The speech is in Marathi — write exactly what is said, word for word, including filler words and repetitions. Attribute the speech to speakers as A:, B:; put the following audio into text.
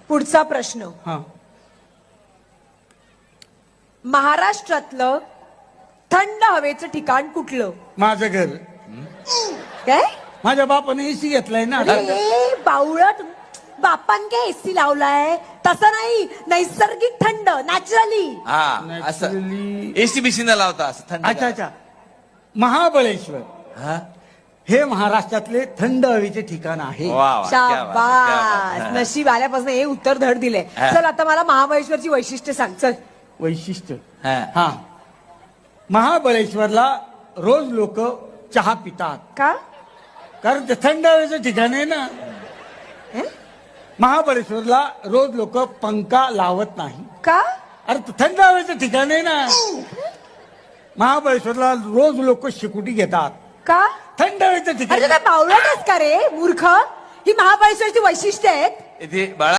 A: पुढचा प्रश्न,
B: हा
A: महाराष्ट्रातलं थंड हवेचं ठिकाण कुठलं?
B: माझं घर.
A: काय?
B: माझ्या बापाने एसी घेतलाय ना.
A: अरे बावळट, बापान काय एसी लावलाय? तसं नाही, नैसर्गिक थंड, नॅचरली.
C: हा असं
B: Naturally.
C: एसी बिसी न लावता असं थंड.
B: अच्छा अच्छा. महाबळेश्वर
C: हा
B: हे महाराष्ट्रातले थंड हवेचे ठिकाण आहे.
C: वा वा, क्या बात है, क्या बात
A: शाबास,
C: है.
A: नशीब आल्यापासून हे उत्तर धड दिले.
C: हा.
A: चल आता मला महाबळेश्वरची वैशिष्ट्य सांग. चल.
B: वैशिष्ट्य
C: हा.
B: हा महाबळेश्वरला रोज लोक चहा पितात
A: का?
B: कारण ते थंड हवेचं ठिकाण आहे ना.
A: हे?
B: महाबळेश्वरला रोज लोक पंखा लावत नाही.
A: का?
B: अरे ते थंड हवेचं ठिकाण आहे ना. महाबळेश्वरला रोज लोक शिकुटी घेतात.
A: का?
B: थंड हवेचं ठिकाण.
A: अरे काय बावळटच का रे मूर्ख? ही महाबळेश्वरची वैशिष्ट्य आहेत.
C: इथे बाळा